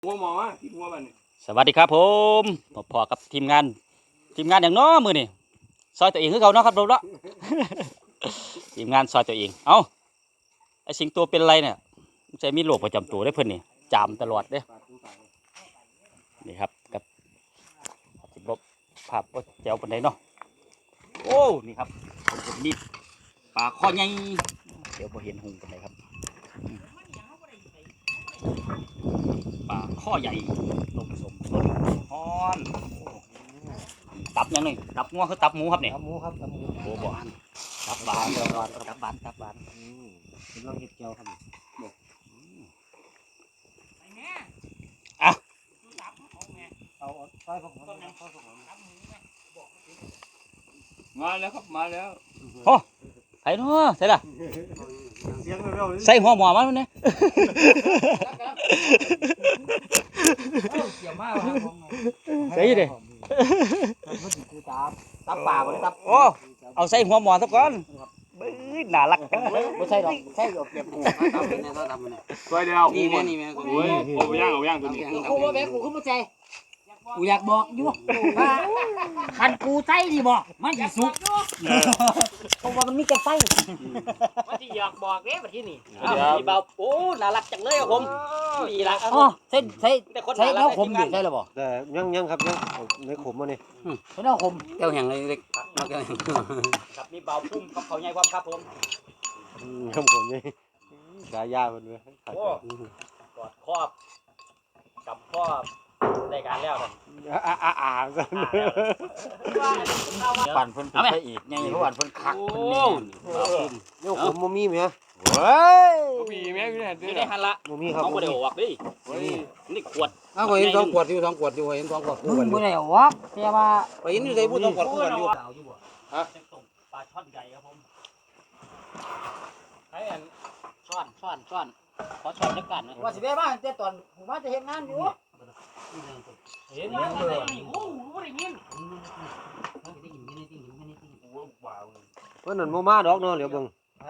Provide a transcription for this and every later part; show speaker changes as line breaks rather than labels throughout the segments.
หัวหมอวะที่หัวมัน
สวัสดีครับผมพอกับทีมงานอย่างน้อมือนี่ซอยตัวเองคือเขาเนาะครับเราเนาะ ทีมงานซอยตัวเองเอ้าไอสิงตัวเป็นไรเนี่ยใจมีโรคประจำตัวได้เพิ่นนี่จามตลอดเด้นี่ครับกับสิบภาพว่าแจ๋วปานใดเนาะโอ้นี่ครับนี่ปลาข้อใหญ่เดี๋ยวพอเห็นหุงปานใดครับปลาข้อใหญ่ต้มสมต้นฮ้อนตับยังไงตับงัวคือตับหมูครับเนี่ย
ตับหมูครับตับหมู
โอ้บ่ตับบานตับบานตับบาน
กำลังเห็ดเจียวครับ
อ่ะ
เอาซอยผม
มาแล้วครับมาแล้ว
ไอ้เนาะใส่ละ
เสียงเร็วๆ
ใส่หัวหมอมันเนี่ย
เกี่ยวมากครับผม
ใส่ดิ
มันคือตับปลาบ่ได้ตับ
โอ้เอาใส่หัวหมอซะก่อนเบ้ยน่ารักจังเลย
บ่ใช่ดอกใช่ดอกเก็บหูตับเนี่ยตับเนี่ย
ตัวเดียว
นี่แม่นี่แม่
โอ้ยเอาย่างตัวนี้
กูบ่แม่กูขึ้นมาใจกูอยากบอกอยู่ว่าคันกูใจดีบอกมันสิสุกเพราะว่ามันมีแต่ไส้
ว่าที่อยากบอกเด้บัดที่นี่
มีเบาโอ้น่ารักจังเลยครับผมดีละ
อ๋อใช่แล้วขมดิใช่แล้วบ่
แต่ยังครับยังในขมมาเนี่ย
ใช่แล้วขม
แก้วแห้งเลยเล็กมาแก้วแห้ง
กับมีเบาพุ่มกับเขาใหญ่ความครับผม
ครับผมนี่กายามันเลย
โอ้กอดครอบกับครอบได้การแล้วครับ
กัน
ปั่นเพิ่นไปอีกไงเพราะว่าเพิ่นคักเพิ่นแน่เบาพุ่ม
เนี่ยขมมมีไหม
เฮ้ย
มีแม่พี่แทน
นี่ได้หันละ
มมีครับ
เอาบ่ได้ออกดินี่ขวด
อ้าวเห็น2 ขวดอยู่2 ขวดอยู่เห็น2 ขวด
มึงบ่ได้วะแต่ว่า
ไปเห็นอยู่ใส่บุ้2 ขวดคู่กันอยู่
ฮะปลาช่อนใหญ่ครับผมให้อันช่อนขอช่อนจักกันนะ
ว่าสิไปบ้านแต่ตอนผมว่าจะเฮ็ดงานอยู่
เห็น
ว่า
เลย
โอ้โหได้ยิน
เพราะนั่นโมมาดอกเนาะเดี๋ยวเบิ่ง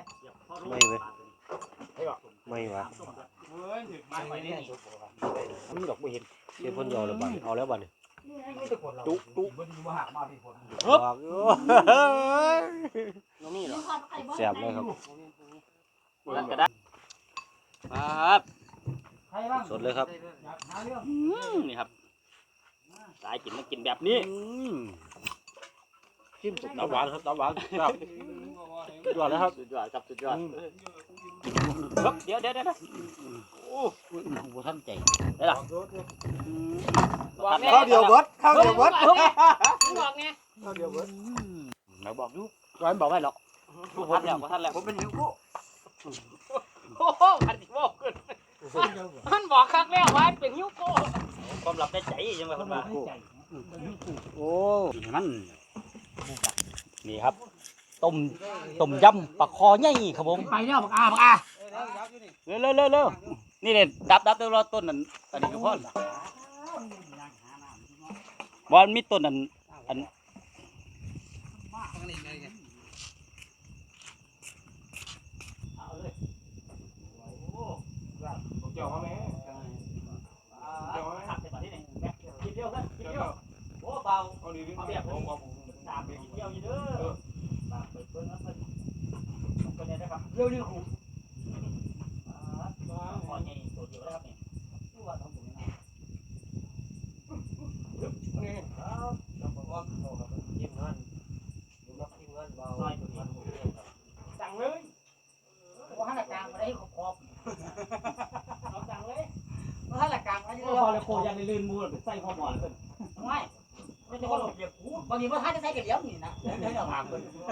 ไม่วะ
เฮ้ยถึงมา
มีดอกไม่เห็นเดี๋ยวพ่นยอแล้วบ้านเอาแล้วบ้านนี่
ตุ๊
บอก
นี่เหรอ
เสียบเลยครับ
นั่นก็ได้ครับ
ใครบ้าง
สดเลยครับ
หาเรื่อง
นี่ครับสายกินมากินแบบนี้
จิ้มตับหวานครับตับหวานครับยอดแล้วครับ
สุดยอดครับสุดยอดครับเดี๋ยวโอ้โหท่านใจได้หรอ
ข้าวเดียวเบิดข้าวเดียวเบิด
บอกไง
ข้าวเดียวเบิด
เราบอกดูร้อยบอกไว้หรอกท่านแล้วผมเป็นหิวกู
โอ้โหอันที่บอกขึ้นมันบอกครั้งแล้วว่าเป็นหิวโก้
ความลับได้ใจยังไงคนมา
โอ้
มันนี่ครับต้มยำปลาคอใหญ่ครับผม
ไปแล้วบักอา
เร็วนี่เนี่ยดับเดี๋ยวรอต้นนั้นอันนี้ก็พอบอลมีต้นอัน
เจ้าเขาแม่เจ้าเขาแม่
กินเดียวกันกินเดียวโอ้เบา
เอาดีดิ
เอาแบบผมตามไปกินเดียวอยู่เด้อตามไปเพิ่นนะเพิ่นเนี่ยนะครับเร็วๆผมขอใหญ่ตัวเดียวนะครับนี่ตัวน้องผมนี่ซอยตัวนี้
สั่งเลย
ว่าหันกลางมาได้ขอบ
เอาสั่งเลย
ว่าหันกลางมาได้
พอเลยโคยังได้ลื่นมูดใส่ข้อหมอนเพิ่น
ไม่ไม่ใช่คนเดียวกูบางทีว่าท่านจะใช้กระเดียวนี่นะเดี๋ยวจะถามคน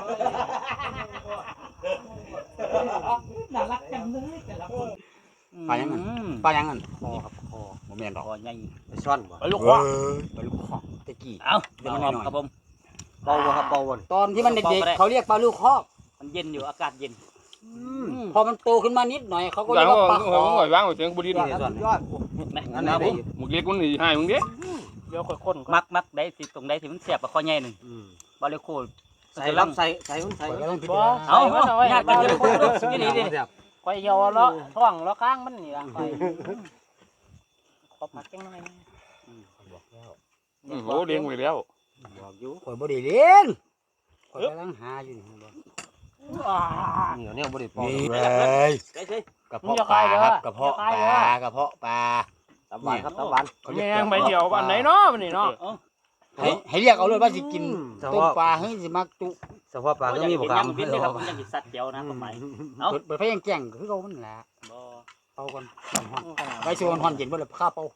น่ารักจังเลยแต่ละคน
ปลายังไงปลายังไง
คอครับคอ
บ่แม่นดอก
คอใหญ่
ไปซ่อนบ่
ไปลูกคอ
ไปลูกคอกตะกี้
เอ้าเดี๋ยวมันครับผม
เบาบ่ครับเบาบ่
ตอนที่มันเด็กๆเขาเรียกปลาลูกคอก
มันเย็นอยู่อากาศเย็น
พอมันโตขึ้นมานิดหน่อยเขาก็
เดี๋
เรี
ย
ยว กว่าปลาคอ
หอยว่างหอยเสียงบุรี
ยอดครับยอด
นั่นนะผม
หมึกเล็กมันหนีหายมึงดิ
เดี๋ยวค่อยๆมักได้สิตรงใดที่มันแสบกับคอใหญ่นึงบาเลโค
ใส่รับใส่มันใส่
เอาญาติกันเลยนี่นี่
ข่อยเหี่ยวแล้วท้องแล้วข้างมันนี่ล่ะข่อยขอพักจังหน่อย
บอกแล้ว
โอ้เลี้ยงไว้แล้ว
บอกอยู่
ข่อยบ่ได้เลี้ยงข่อยกำลังหาอยู่นี่บ่
เหนียวเนี่ยบ่ได้ปอก
นี่
เล
เลย
ใช่ใช่
กระเพาะปลาครับกระเพาะปลากระเพาะปลา
ตับหวานครับตับหวาน
แม่งไปเดียววันไหนเนาะวันนี้เนาะ
ให้เรียกเอาเลยว่าสิกิน
เฉ
ต้ม
พาะ
ปลาให้สิมักจุ
เฉพาะปลาก็มีบ่
ค
ค
รั
รั
บบ บินเลยครับมันยังสิสัตว์เดียวนะความหมายเอ้า
เปิดไฟยังแจ้งคือเขามันแหละ
บ่
เอาก่อนไว้ชวนฮอนเย็นบ่เลยข้าเป่า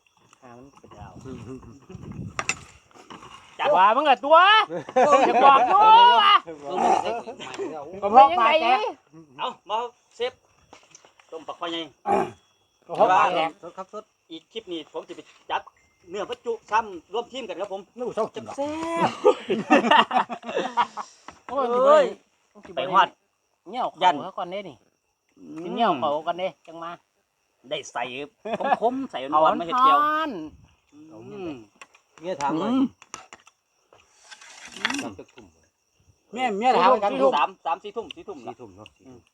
จัดว่ามึงอะตัวจะบอกตัวก็เพราะปลาแตก
เอามาเซฟต้มปักไฟใหญ่
ก็เพราะปลาแดง
สดครับสด
อีกคลิปนี้ผมจะไปจัดเนื้อพระจุซ้ำร่วมทีมกันครับผม
นู่เศร้ากินหรอก
แซ่บ
โอ้ย
เอ้ย
ไป
ไป
ฮ
ฮ
อ
อ
ด
ด
เงี้ยว
ยั
เขาก่อนเด้นี่กินเงี้ยวเขากันเด้จังมา
ได้ใส่คมๆใส่นวลไม่เห็ดเกียว
เนี่ยถามหน่อยจับจักทุ่ม
เมียถามกัน
สามสี่ทุ่ม
4 ทุ่มเนาะ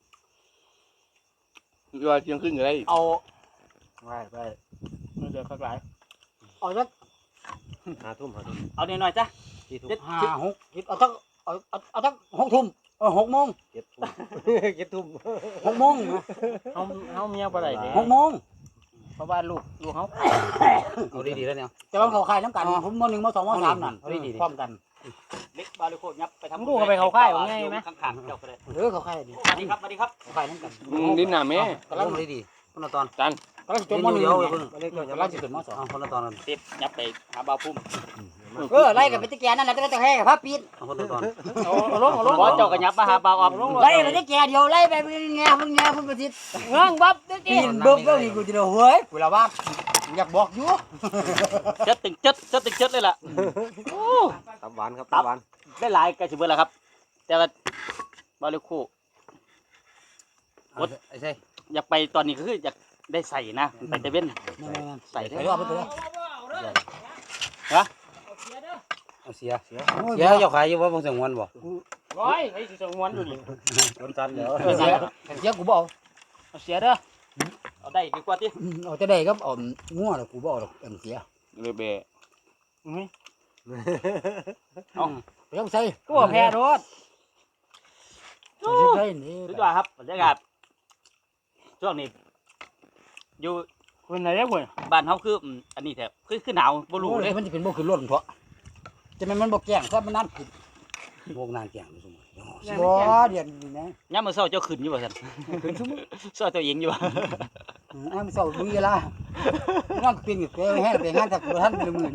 คือว่าเที่ยงคืนก็ได้
เอา
ไป
เดี๋ยวข้างหลัง
เอาสัก
5 ทุ่ม
เอาหน่อยๆจ้ะ
4 ทุ่ม
5 6เอาสักเอาสัก6 ทุ่ม6 โมง
7 ทุ่ม7 ทุ่ม
6 โมง
เฮาเมียบ่ได้เด้
6 โมง
เพราะว่าลูกเฮา
เอาดีๆแล้วเนี่ย
แต่ว่าเขาขายน้ำกันผมม.1 ม.2 ม.3นั่นพร้อมกัน
เล็กบาลิโคยับไปทำ
ลูกก็ไปเขาค่ายว่าไงไหม
ข้างๆเจ้าก็ได้
เขาขายดิ
สวัสดีครับสวัสดีครับ
เขาขายน้ำกัน
ดินหน้าแม่
กำลัง
ดีคนละตอน
กำลังจบม.1
เดี๋ยวเพิ่ง
กำลังจะขึ้นม.2
คนละตอน
เซฟยับไปหาบ่าวพุ่ม
ไล่กันไปตะแกนั่นแหละแต่แค่กับพระปีน
คนละตอน
เอาลง
บอเจ้าก็ยับมาหาบ่าวออก
ไล่ไปตะแกเดียวไล่ไปเงี้ยพุ่นประสิทธิ์
เงื่องบับเด้
ปีนเบิ่งก็นี่กูจะเฮ้ยกูละว่าอยากบอกอยู่
เจ็ดตึงเจ็ดเลยล่ะ
ตับหวานครับตับหวาน
ได้หลายกระสิบเบิดแล้วครับ แต่ว่าบาลิโค
ไอ้ใช่
อยากไปตอนนี้ก็คืออยากได้ใส่นะไปแต่เว้นใส่
ไป
ได้
รอบไปเลย
เอาเสียเจ้าขายอยู่ว่าบ่สงวนบ่
ร้อยไอ้สิสงวนอยู่นี่
คนตันเดี๋ยว
เสียกูบอก
เอาเสียเด้อ
เอาได้ดีกว่าที่
เอาจะได้ครับงัวแล้วกูบอกหรอกเสีย
เลยแบะ
ไปต้องใส่
ตัวแพ้รถ
ใส่นี่
สุดยอดครับบรรยากาศช่วงนี้อยู่
คุณไหนเด้อคุณ
บ้านเฮาคืออันนี้แถบคือหนาวบ่รู้เลย
มันจะเป็นบ่ขึ้นรถเพราะจะมันบ่แก่งซะมันนั่นผิดพวกนานแก่งสมมุติบ่เดือนนี่นะ
ยามมื้อเช้าเจ้าขึ้นอยู่บ่ซั่นขึ้นซุมื้อซอยตัวเองอยู่
อ้ามเศร้าดูเวลานั่งปีนไปแห้งไปงานจากท่านเป็นหมื่น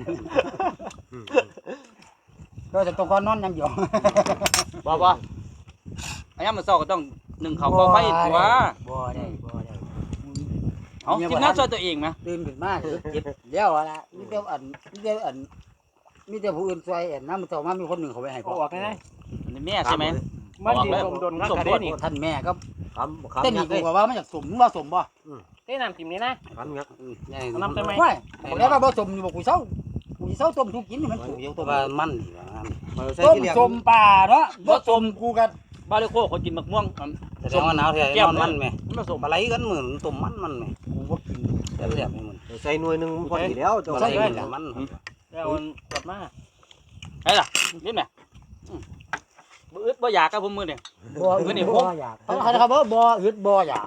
ก็จะต้องนอนยังอยู่
บ่ยามมื้อเช้าก็ต้องนึ่งข้าวก่อไฟตัว
บ่ได้
เอ้าทีมงานซอยตัวเองนะ
ตื่นขึ้นมาเจ็บเดี๋ยวละมีแต่มีแต่ผู้อื่นช่วยน้ำมันต่อมามีคนหนึ่งเขาไปให้
ออกได้
นี่แม่ใช่ไหม
มันดีสมดนคักกะเด้นี่
ท่านแม่ก็
คำ
เต้น
ยั
อี
ก
ก
ษ์เลย
ว่ามันอยากสมว่าสมบ่
เต้น้ำจิ้มนี่นะ
คำยักษ์
น้ำใช่ไหม
ไม่ผมแล้วว่าบ่สมอยู่บ่กูเศร้าต้มทุกกินนี่มันถูกอยู่ต้ม
ว่ามันดีว่า
ต้มสมป่าเนาะบ่สมกูกัน
บาลิโคคนกินมะม่วง
แสดงว่าหนาวแท้นอนมันแม่
มันผสม
ปลาไหลกันเหมือนตุ่มมันแม่
กูบ่กิน
แซ่บๆให้มันใส่หน่วยนึงพอดีแล้วปลาไหลมัน
แล้วกดมา
ไอ้ล่ะนี่แม่บ่อึดบ่อยากครับผมมื้อนี่
บ่อยากเขาบ่อึดบ่อยาก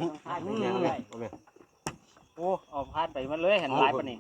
โอ้เอาพาดไปมันเลยเห็นลายปะนี่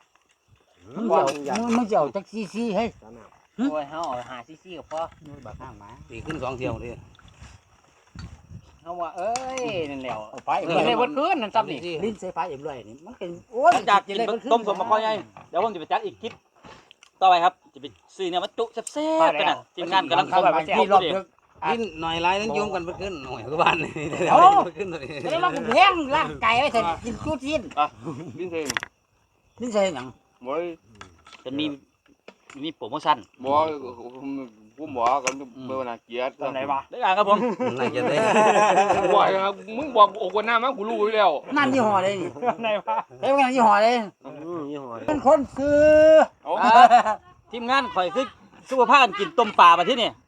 มันจะเอาจักซี่ให้
โอ้ยเฮาเอาหาซี่กับพ่อ
บักข้างมา
ตีขึ้น2เที่ยวเลย
เฮาว่าเอ้ยนั่นแหละ
เอาไป
กินได้บ่คืนนั่นซ้ำนี่
ลิ้นใส่ฟ้าเอ็มเลยนี่มันเป็นโอ้
หลังจากกินต้มสมมะข้อยใหญ่เดี๋ยวผมจะไปจัดอีกคลิปต่อไปครับจะไปซื้อเนี่ยมาจุแซ่บๆกันน่ะทีมงานกำลัง
เข้า
เข้า
ไป
ไป
ที่รอบดึก
กินหน่อยไรนั้นโยมกันไปขึ้นหน่อยก็บ้านนี่ขึ้นตัวนี้
แล้วเราแพงร่างไก่ไว้เถอะกินชุดชิ้น
ดินเทง
ลิ้นใส่หยัง
บ่
จะมีโปรโมชั่น
บ่ผมบอกกันเมื่อวันอาเกียรติ
ตอนไหนวะ
ได้ครับผม
น่าจะได้
บ่ครับมึงบอกโอ้กว่าหน้ามากูรู้อยู่แล้ว
นั่นยี่ห้อเลยนี่
ตอนไหนวะ
เฮ้ยว่ายี่ห้อเลย
ยี่ห้อ
เป็นคนซื้อ
ทีมงานข่อยคือสุขภาพกินต้มปลามาที่นี่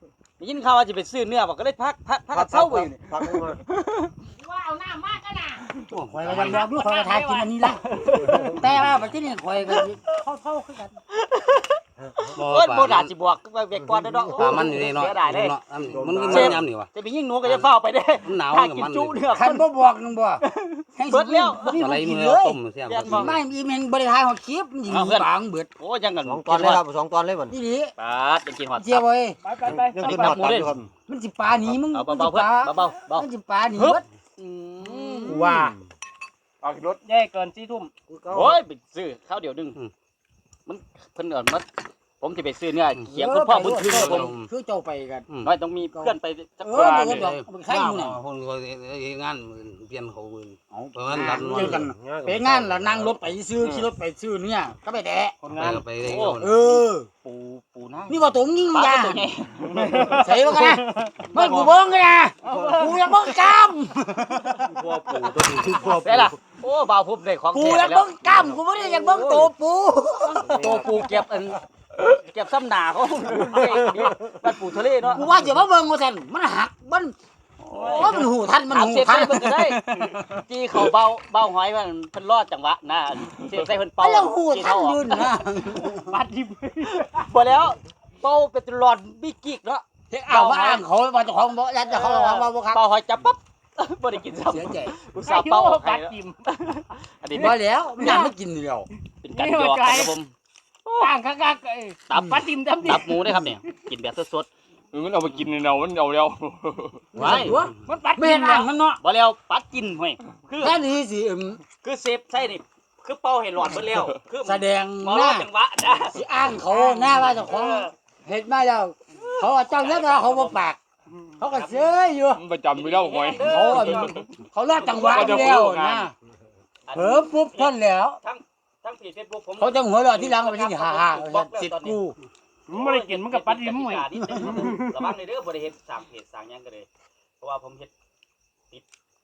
ยินข่าวว่าจะไปซื้อเนื้อบอกก็เลยพักกันเศร้าไปอยู่นี่
พักมา
ว่าเอาหน้ามากกันน่ะ
ข่อยก็ยังบอกอยู่ข่อยก็ทายกินอันนี้ละแต่ว่าบัดนี้ข่อยก็เท่าคือกัน
โอ้ยโบราณสิบวกเวกก่อนเนาะ
ปลามันอยู่นี่เนาะ
เสียดายเลย
เนาะมันมันยำนี่วะ
จะไปยิงหนูก็จะเฝ้าไปเด้
มันหนาว
ถ้า
กับ
กิน
มัน
จุเนื้อ
คันบ่บอกนึงบ่ให้
เบิดแล้ว
บ่มี
อะไร
กิน
มือ
เลย
ต้มเสียบ
ไม่อีเมนบ่ได้ทายฮอดคลิปมันสิปางเบิด
โอ้ยังกัน
2 ตอนเลยครับ2 ตอนเลยบ่
นี่ดิ
ปาดยังกินหอด
เจียวเว้ย
ไป
ยังกินหอดตับอยู่ครับ
มันสิปลาหนีมึง
เอา
มัน
เบา
สิ
ๆเพื่อน
ปลา
เบา
มันสิปลาหนีเบิด
ว่า
เอารถ
แย่เกิน4 ทุ่ม
โอ้ยไปซื้อข้าวเดียวนึงมันเพิ่นมาผมจะไปซื้อเนื้อเขียงคุณพ่อบุญถึงครับผม
คือเจ้าไปกัน
น้อยต้องมีเพื่อนไปสัก
เอ
ค
อน
หนึ่ง
ดอกมันใครอยู่น่ะ
คนก็งานเปลี่ยนเขาเพราะงั้น
เจอกันไปงานแล้วนั่งรถไปซื้อขี่รถไปซื้อเนี่ยก็ไปแดะ
คนงาน
ไป
เออ
ปูน้า
นี่บ่ตรงยิง
ปลา
จ้า
ตัวใหญ่
ใส่บ่กันนะมึงกูเบิ่งกันนะกูอยากเบิ่งกล้าม
พ่อปู่ตัวนี้คือพ่อ
ได้ล่ะโอ้บ่าวพุบได้ของ
กู
แท้
อยาก
ไปแล้ว
เบิ่งกล้ามกูบ่ได้อยากเบิ่งตัวปู
ตัวปูเก็บเก็บซ้ำหนาเขาบ้านปูทะเลเนาะ
กูว่าจะมาเบิ่งว่าซั่นมันหักมันโอ้มันหูทันมัน
ถาม
หู
เสียบ
ทั
ใส่
น
เพิ่นก็ได้จี้เขาเบาหอยมันเพิ่นรอดจังหวะนะเสียบใส่เพิ่นเป่า
แล้วหู
จี้
ทัน
เขาออก
ยืนนะ
บัดดิบ
บ่แล้วเป่าเป็นหลอดบิกิกเนาะ
เฮ็ดเอาว่าอ้างเขาว่าเจ้าของบ่ยันเจ้าของว่าบ่ครับ
เป่าหอยจับปั๊บบ่ได้กินซ้ำ
เสียใจ
อุตส่าห์เป่าออกให้
บัด
แล้ว
ดิบ
อันนี้
บ่แล้วมันยังไม่กินแล้ว
เป็นการหยอกกันครับผม
ต่างคักๆ
ตับ
บัดดิบดิ
ตับหมูได้ครับเนี่ยกินแบบสด
มันเอาไปกินเนามันเอาแล้ว
ๆไว้
มันบัด
ไม่
ดิ
เห็
บ
นอ่างมันเนาะ
บ่แล้วปัดกินห้วยคือ
แค่นี้สิ
คือเซฟใช่นี่คือเป่าให้หลอดเบิดแล้วคือ
แสดง
บ่
ห
รอ
น้า
ดจังหวะนะ
สิอ้างเขาหน้าว่าเจ้าของเฮ็ดมาแล้วเขาว่าเจ้าเลิกแล้วเขาบ่ปากเขาก็เสยอยู่
มันประจำไปแล้วหอย
เขารอดจังหวะอยู่แล้วนะเผลอปุ๊บทนแล้ว
ทั้งเพจ Facebook ผม
เขาจะหัวเราะที่หลังไปที่ฮ่าๆสิทธิ์กู
มันบ่ได้กินมันก็บัดดิบห่วย
ระวังในเด้อบ่ได้เฮ็ดสร้างเพจสร้างหยังก็เลยเพราะว่าผมเฮ็ดติด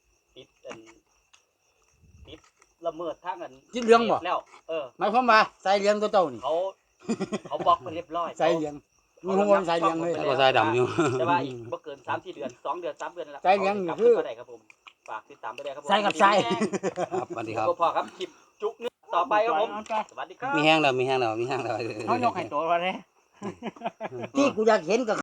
ละเมิดทางอัน
จิตเรื่องบ่
แล้ว
หมายความว่าใส่เลี้ยงตัวเจ้านี่
เขาบล็อกไปเรียบร้อย
ใส่เลี้ยงมึงหัวใส่เลี้ยงเลย
ก็ใส่ดำอยู่
แต่ว่าอีกบ่เกิน3-4 เดือน2 เดือน 3 เดือนนั่นแหละ
ใส่เลี้ยงนี่คือ
ก็ได้ครับผมฝากติดตามไปได้ครับผม
ใส่กับใส่
ครับสวัสดีครับ
พอครับคลิปจุกนึกต่อไปครับผมสวัสดีครับ
มีแห้งแล้ว
เขายกให้ตัวว่าเด้
ที่กูอยากเห็นก็